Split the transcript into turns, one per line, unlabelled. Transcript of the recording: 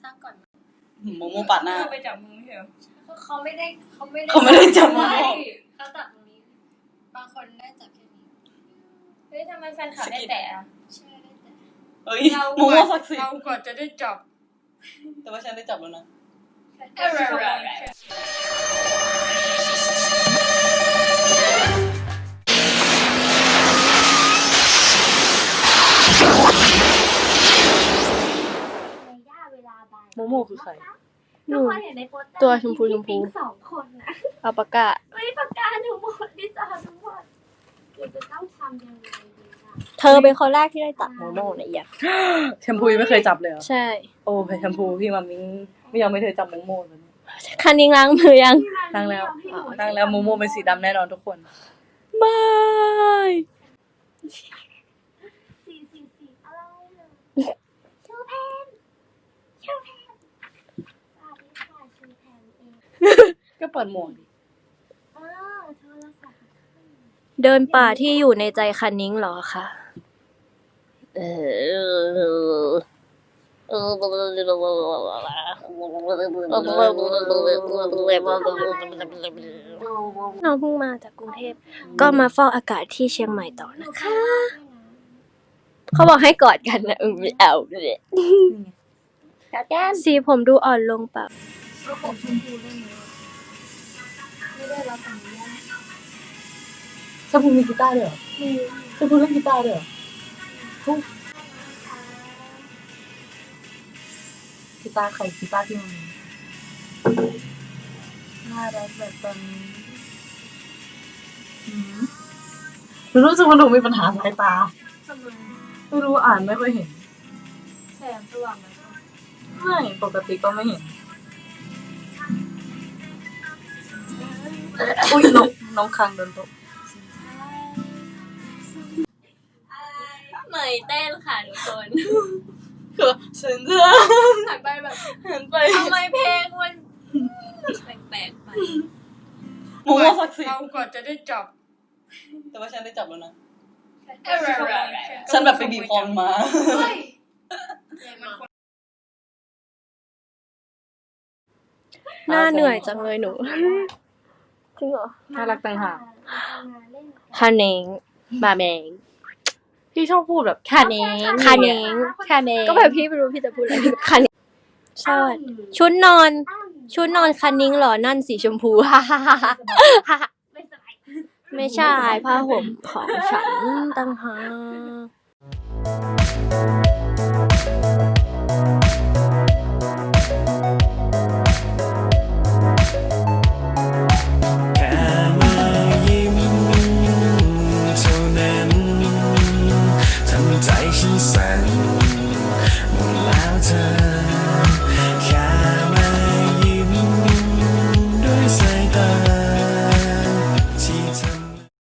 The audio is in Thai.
ตั้งก่อน
โมโมปัดหน้า
ไปจับมือเหรอ
เขาไม่ได้
จับโมโม
เขาจับตรงนี้บางคนได้จับแค่นี้
เฮ้ยทำไมแฟนคลับได้แต่
ใช่ได้แต่
เฮ้ยโมโมศักดิ์สิทธิ์
เราก่อนจะได้จับ
แต่ว่าฉันได้จับแล้วนะโมโมคือใคร
ตัวชมพู
2 คนนะ
เอาปากกา
ไม่ปากกาทั้งหมดที่จะทั้งหมดเราจะต้องทำยังไงดีล่ะ
เธอเป็นคนแรกที่ได้จับโมโมเนี่ยอย่า
แชมพูไม่เคยจับเลยเหรอ
ใช่
โอ้แชมพูพี่มามิ้งไม่ยอมให้เธอจับโมโมเลย
คันนิ้งล้างมือยัง
ล้างแล้วโมโมเป็นสีดำแน่นอนทุกคน
ไม่
ก็เปิดหมวกดิ
เดินป่าที่อยู่ในใจคันนิ้งเหรอคะน้องเพิ่งมาจากกรุงเทพก็มาเฝ้าอากาศที่เชียงใหม่ต่อนะคะเขาบอกให้กอดกันนะไม่เอาเลยสีผมดูอ่อนลงเปล่า
ก็ผมชมพูได้ไหมไม่ได้รับอนุญาต
ชมพูมีกีตาร์ด้วยเหรอชมพูเล่นกีตาร์ด้วยเหรอกีตาร์ใครกีตาร์ที่มันน่ารักแบบตอนนี้รู้สึกว่าหนูมีปัญหาสายตาไม่รู้อ่านไม่ค่อยเห็น
แสงสว่างไหม
ไม่ปกติก็ไม่เห็นอุ้ยน้องคังโดนตก
เหมยเต้นค่ะทุกคน
คือฉันจะ
หันไปแบบ
หันไป
ทำไมเพลงมันแปลกๆไป
โมโมศักดิ์สิทธิ์
เราก่อนจะได้จับ
แต่ว่าฉันได้จับแล้วนะฉันแบบไปบีบคอมา
หน้าเหนื่อยจังเลยหนูจริงเหรอ
น่ารักต่างหาก
คาเน้งบาแมง
พี่ชอบพูดแบบ
คาเน้งก็แบบพี่ไม่รู้พี่จะพูดอะไรคาเน้งใช่ชุดนอนคานิ้งเหรอนั่นสีชมพูไม่ใช่ผ้าห่มของฉันตั้งหาก